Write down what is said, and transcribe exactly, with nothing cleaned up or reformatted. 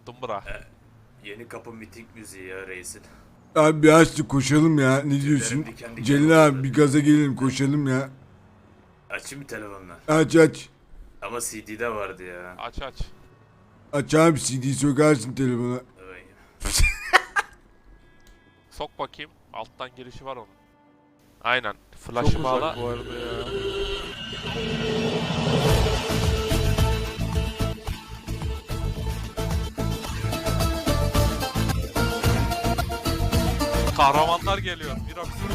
Unuttum bırak. E, yeni kapı miting müziği ya reisin. Abi bir açtık koşalım ya. Ne diyorsun? diken diken Celil abi oldu. bir gaza gelelim koşalım ya. Açayım mı telefonla? Aç aç. Ama C D'de vardı ya. Aç aç. Aç abi C D'yi sokarsın telefona. Ay. Sok bakayım. Alttan girişi var onun. Aynen. Çok Flash'ı uzak bağla. bu arada ya. Kahramanlar geliyor. Mirax.